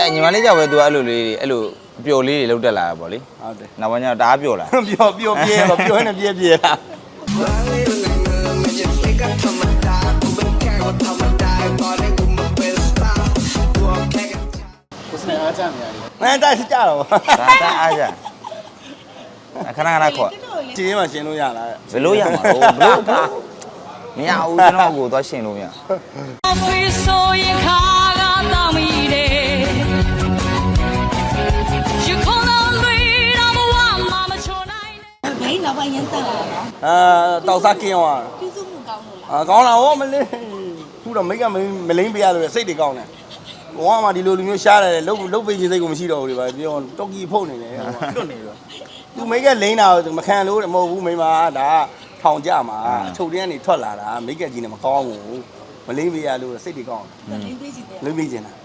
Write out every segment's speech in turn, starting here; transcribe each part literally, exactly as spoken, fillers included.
ညီမလေးကြောက်ပဲသူအဲ့လိုလေးတွေအဲ့လိုပျော်လေးတွေလောက်တက်လာတာပေါ့လေဟုတ်တယ်နောက်ပိုင်းကျတော့တအားပျော်လာပျော်ပျော်ပြဲတော့ပျော်နေပြဲပြဲလားကိုစနေအားကြနေရတယ်။မင်းတိုက်စကြတော့ဒါဒါအားကြခဏခဏခေါ်ကျင်းမှရှင်းလို့ရလားဘယ်လိုရမှာလို့ဘယ်လိုမရဘူးကျွန်တော်ကိုသွားရှင်းလို့မရနောက်ပိုင်းရန်တက်လာတာအာတောက်စားကင်းသွားပြုစုမှုကောင်းလို့လားအာကောင်းတာဟောမလေးခုတော့မိတ်ကမလိမ့်ပေးရလို့စိတ်တွေကောင်းတယ်ဘဝမှာဒီလိုလူမျိုးရှားတယ်လုတ်လုတ်ပေးခြင်းစိတ်ကိုမရှိတော့ဘူးလေဗျာပြောတော့ကီဖုတ်နေတယ်တွတ်နေတော့သူမိတ်ကလိမ့်တာမခံလို့မဟုတ်ဘူးမိမဒါထောင်ကြမှာအချုပ်တင်းကနေထွက်လာတာမိတ်ကကြီးနဲ့မကောင်းဘူးမလိမ့်ပေးရလို့စိတ်တွေကောင်းတယ်လိမ့်ပေးခြင်းတယ်လိမ့်ပေးခြင်းတာ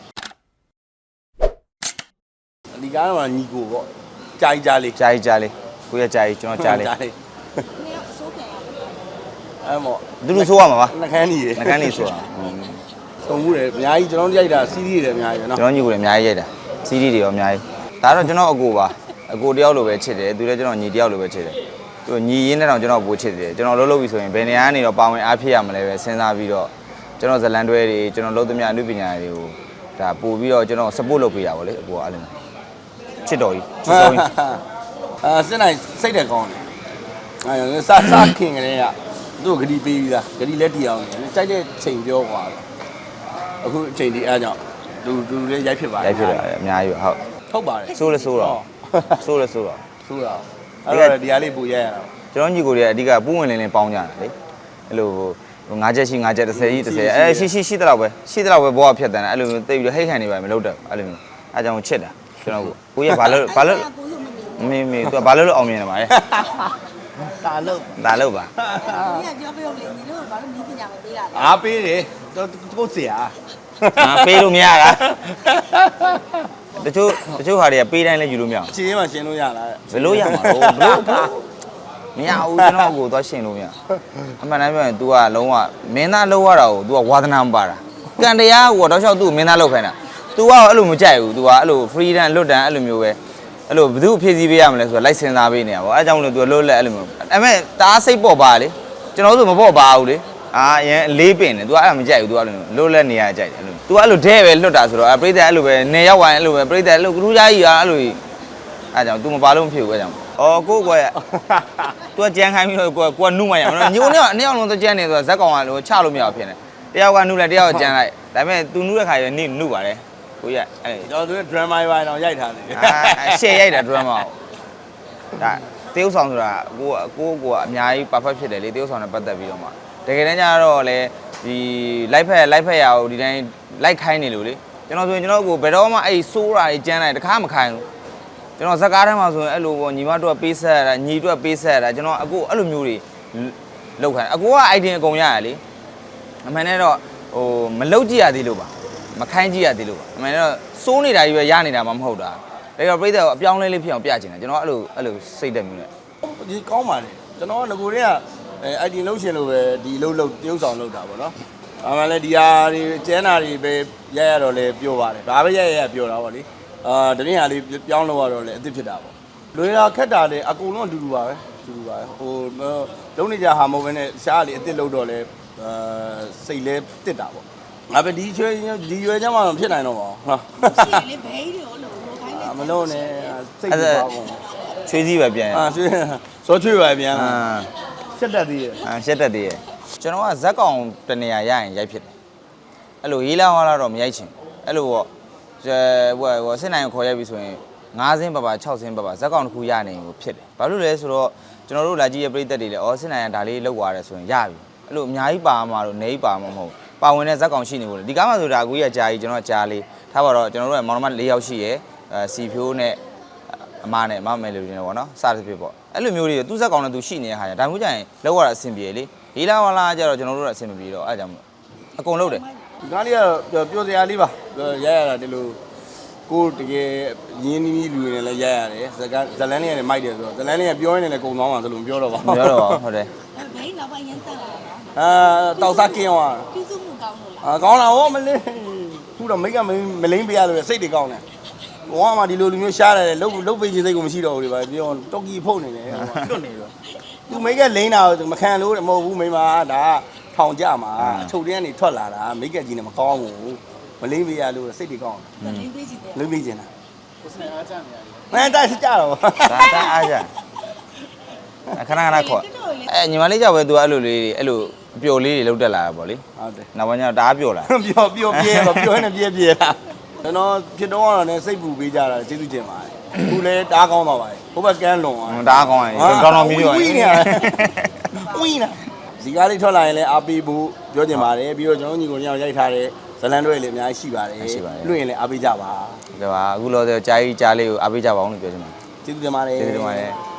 ဒီကားတော့ညီကိုပေါ့ကြာကြာလေးကြာကြာလေးကိုရကြာကြီးကျွန်တော်ကြာလေးနည်းအစိုးပြန်ရအဲ့မော်သူတို့ဆိုးရမှာပါနှကန်းကြီးနှကန်းလေးဆိုတာသုံးမှုတယ်အများကြီးကျွန်တော်ရိုက်တာစီးရီးတွေအများကြီးပဲเนาะကျွန်တော်ညီကိုလည်းအများကြီးရိုက်တာစီးရီးတွေရောအများကြီးဒါတော့ကျွန်တော်အကိုပါအကိုတယောက်လိုပဲချစ်တယ်သူလည်းကျွန်တော်ညီတယောက်လိုပဲချစ်တယ်သူညီရင်းနဲ့တော့ကျွန်တော်ပိုချစ်တယ်ကျွန်တော်လှုပ်လှုပ်ပြီဆိုရင်ဘယ်နေရာကနေတော့ပါဝင်အားဖြစ်ရမလဲပဲစဉ်းစားပြီးတော့ကျွန်တော်ဇလန်တွဲတွေကျွန်တော်လုပ်သမျှအမှုပညာတွေကိုဒါပို့ပြီးတော့ကျွန်တော် support လုပ်ပေးတာပေါ့လေအကိုကအဲ့လိုချစ်တော်ကြီးချစ်တော်ကြီးအာစစ်နိုင်စိတ်တယ်ကောင်းတယ်အဲစစခင်ကလေးကသူ့ဂရီပေးပြီးသားဂရီလက်တီအောင်ကြိုက်တဲ့ချိန်ပြောကွာအခုအချိန်ဒီအားကြောင့်သူသူလည်းရိုက်ဖြစ်ပါတယ်ရိုက်ဖြစ်တယ်အများကြီးဟုတ်ထုတ်ပါတယ်ဆိုးလဲဆိုးတော့ဆိုးလဲဆိုးတော့ဆိုးတော့အဲ့တော့ဒီအားလေးပူရိုက်ရတာကျွန်တော်ညီကိုတွေအဓိကပူးဝင်လင်းလင်းပေါင်းကြတာလေအဲ့လိုငါးချက်ရှိငါးချက်တစ်ဆယ်ကြီးတစ်ဆယ်အဲရှိရှိရှိတဲ့လောက်ပဲရှိတဲ့လောက်ပဲဘောကဖြတ်တန်းတယ်အဲ့လိုမျိုးတိတ်ပြီးဟိတ်ခံနေပါမလုပ်တော့အဲ့လိုမျိုးအဲကြောင့်ချစ်တာကျွန်တော်ကိုကိုရဘာလို့ဘာလို့မေးမေးသူကဘာလို့လို့အောင်မြင်နေပါလဲဒါလို့ဒါလို့ပါဒီကပြောပြောလေညီတို့ကဘာလို့မင်းပညာမပေးတာလဲအားပေးတယ်တော့ကိုဆရာအာပေးလို့မရတာတချို့တချို့ဟာတွေကပေးတိုင်းလည်းယူလို့မရအောင်ရှင်းမှရှင်းလို့ရလားဘယ်လိုရမှာလို့ဘယ်လိုမရဘူးကျွန်တော်ကိုသွားရှင်းလို့မရအမှန်တမ်းပြောရင် तू ကလုံးဝမင်းသားလောက်ရတာကို तू ကဝါသနာမပါတာကံတရားကိုတော့ရှောက် तू မင်းသားလောက်ခိုင်းတာ तू ကအဲ့လိုမကြိုက်ဘူး तू ကအဲ့လို freedom လွတ်တန်အဲ့လိုမျိုးပဲအဲ့လိုဘယ်သူဖြည့်ဆည်းပေးရမလဲဆိုတော့လိုက်စင်စားပေးနေတာပေါ့အဲအကြောင်းလို့ तू လွတ်လက်အဲ့လိုမျိုးအဲ့မဲ့တအားစိတ်ပေါ့ပါလေကျွန်တော်တို့မပေါ့ပါဘူးလေအာအရင်လေးပင်တယ် तू အဲ့ဒါမကြိုက်ဘူး तू အဲ့လိုလွတ်လက်နေရကြိုက်တယ်အဲ့လို तू အဲ့လိုဒဲပဲလွတ်တာဆိုတော့အပရိသတ်အဲ့လိုပဲနေရောက်ဝိုင်းအဲ့လိုပဲပရိသတ်အဲ့လိုကရူးသားကြီးอ่ะအဲ့လိုအဲကြောင့် तू မပါလို့မဖြစ်ဘူးအဲကြောင့်အော်ကိုကွယ် तू ကကြမ်းခိုင်းပြီးတော့ကိုကကိုကနုမှရအောင်ညိုနေကအနည်းအောင်လုံးကြမ်းနေဆိုတော့ဇက်ကောင်ကလို့ချလို့မရဘူးဖြစ်နေတယောက်ကနုလဲတယောက်ကကြမ်းလိုက်ဒါပေမဲ့ तू နုတဲ့ခါကျနေနုပါတယ်ကိုရအဲ့ကျွန်တော်တို့ drama ပိုင်းတော့ရိုက်ထားတယ်အာရှယ်ရိုက်တာ drama ဒါတေးဥဆောင်ဆိုတာကိုကိုကိုကအများကြီး perfect ဖြစ်တယ်လေတေးဥဆောင်နဲ့ပတ်သက်ပြီးတော့မှတကယ်တမ်းကျတော့လေဒီ live ဖက် live ဖက်ရအောင်ဒီတိုင်း live ခိုင်းနေလို့လေကျွန်တော်ဆိုရင်ကျွန်တော်ကိုဘယ်တော့မှအဲ့ဆိုးတာကြီးကြမ်းလိုက်တခါမခိုင်းဘူးကျွန်တော်ဇက်ကားထဲမှာဆိုရင်အဲ့လိုပေါ့ညီမတို့ကပေးဆက်ရတာညီတို့ကပေးဆက်ရတာကျွန်တော်အကိုအဲ့လိုမျိုးတွေလောက်ခိုင်းအကိုက idea အကုန်ရရလေအမှန်နဲ့တော့ဟိုမလောက်ကြည့်ရသေးလို့ပါမခိုင်းကြည့်ရသေးလို့ပါအမှန်နဲ့တော့စိုးနေတာကြီးပဲရနေတာမှမဟုတ်တာဒါကြောင့်ပြိတ္တကိုအပြောင်းလဲလေးဖြစ်အောင်ပြချင်တယ်ကျွန်တော်အဲ့လိုအဲ့လိုစိတ်တက်မျိုးနဲ့ဒီကောင်းပါလေကျွန်တော်ကငကိုတွေကအဲ idea လောက်ရှင်လို့ပဲဒီလောက်လောက်တရုပ်ဆောင်လောက်တာပေါ့နော်ဒါမှလည်းဒီဟာတွေကျန်းတာတွေပဲရရတော့လဲပြောပါတယ်ဘာပဲရရရပြောတာပေါ့လေအာတရင်ဟာလေးပြောင်းလို့ရတော့လေအစ်စ်ဖြစ်တာပေါ့လွေတာခက်တာလေအကုန်လုံးအတူတူပါပဲအတူတူပါပဲဟိုလုံးနေကြဟာမဟုတ်ဘဲနဲ့ရှားလေအစ်စ်လောက်တော့လေအာစိတ်လဲတစ်တာပေါ့ငါပဲဒီချွေဒီရွယ်ချမ်းမှတော့ဖြစ်နိုင်တော့ပါဟာရှိရလေဘဲတွေရောလို့လိုခိုင်းတယ်မလုံးနဲ့စိတ်ပါကုန်ချွေးစည်းပဲပြန်အာချွေးစောချွေးပဲပြန်အာရှက်တက်သေးရဲ့အာရှက်တက်သေးရဲ့ကျွန်တော်ကဇက်ကောင်တနေရာရရင်ရိုက်ဖြစ်တယ်အဲ့လိုရေးလာဟောလာတော့မရိုက်ချင်အဲ့လိုပေါ့ဟိုဟိုစစ်နိုင်ခေါ်ရိုက်ပြီဆိုရင်ငါးစင်းပါပါ၆စင်းပါပါဇက်ကောင်တစ်ခုရနိုင်ကိုဖြစ်တယ်ဘာလို့လဲဆိုတော့ကျွန်တော်တို့လာကြည့်ရပြိသက်တွေလည်းအော်စစ်နိုင်ကဒါလေးလောက်သွားတယ်ဆိုရင်ရပြီအဲ့လိုအများကြီးပါမှာတော့နေပါမှာမဟုတ်ပါဝင်တဲ့ဇက်ကောင်ရှိနေလို့ဒီကားမှဆိုတာကိုကြီးကကြာကြီးကျွန်တော်ကကြာလေးထားပါတော့ကျွန်တော်တို့ကမောင်နှမ၄ယောက်ရှိရယ်အဲစီဖြိုးနဲ့အမနဲ့မမယ်လူတွေနဲ့ပေါ့နော်စသဖြင့်ပေါ့အဲ့လိုမျိုးတွေသူ့ဇက်ကောင်နဲ့သူရှိနေတဲ့ဟာဒါမှမဟုတ်ကြရင်လောက်ရတာအဆင်ပြေလေရေးလာဟောလာကြတော့ကျွန်တော်တို့ကအဆင်မပြေတော့အဲ့ကြောင့်အကုန်လုံးတယ်ဒီကားလေးကတော့ပြောစရာလေးပါရရတာဒီလိုကိုတကယ်ရင်းနှီးလူတွေနဲ့လည်းရရတယ်ဇကဇလန်းလေးနဲ့မိုက်တယ်ဆိုတော့ဇလန်းလေးကပြောရင်းနဲ့လည်းကုံသွားမှာဆိုလို့မပြောတော့ပါဘူးပြောတော့ပါဟုတ်တယ်ဘဲနောက်ပိုင်းရန်တက်လာတာအာတောက်စားကင်းသွားပြုစုမှုကောင်းလို့လားအာကောင်းတာဟောမလေးခုတော့မိတ်ကမလိမ့်ပေးရလို့စိတ်တွေကောင်းတယ်ဘဝမှာဒီလိုလူမျိုးရှားတယ်လုတ်လုတ်ပေးခြင်းစိတ်ကိုမရှိတော့ဘူးလေဗျပြောတော်ကီဖုတ်နေတယ်တွတ်နေတော့သူမိတ်ကလိမ့်တာမခံလို့မဟုတ်ဘူးမိမဒါထောင်ကြမှာအချုပ်တင်းကနေထွက်လာတာမိတ်ကကြီးနဲ့မကောင်းဘူးမလိမ့်ပေးရလို့စိတ်တွေကောင်းတယ်လိမ့်ပေးကြည့်တယ်လိမ့်ပေးခြင်းလားကိုစနေအားကြနေရတယ်မင်းတိုက်စကြတော့ဒါတအားကြခဏခဏခေါ်အဲညီမလေးကြောက်ပဲ तू အဲ့လိုလေးတွေအဲ့လိုအပျော်လေးတွေလောက်တက်လာတာပေါ့လေဟုတ်တယ်နောက်ပိုင်းကျတော့တအားပျော်လာပျော်ပျော်ပြဲတော့ပျော်နေပြဲပြဲလားကျွန်တော်ဖြစ်တော့ကတော့လည်းစိတ်ပူပေးကြတာကျေးဇူးတင်ပါတယ်အခုလည်းတားကောင်းသွားပါတယ်ဘိုးဘက်ကန်းလွန်သွားတအားကောင်းရင်ကောင်းတော်ပြီးတော့ဝီးနေဝီးနေဇီကားလေးထွက်လာရင်လည်းအားပေးဖို့ပြောချင်ပါတယ်ပြီးတော့ကျွန်တော်ညီကိုညောင်ရိုက်ထားတဲ့ဇလန်တွေလည်းအများကြီးရှိပါတယ်လွှင့်ရင်လည်းအားပေးကြပါကဲပါအခုလောဆယ်ကြားကြီးကြားလေးကိုအားပေးကြပါအောင်လို့ပြောချင်ပါတယ်ကျေးဇူးတင်ပါတယ်ကျေးဇူးတင်ပါတယ်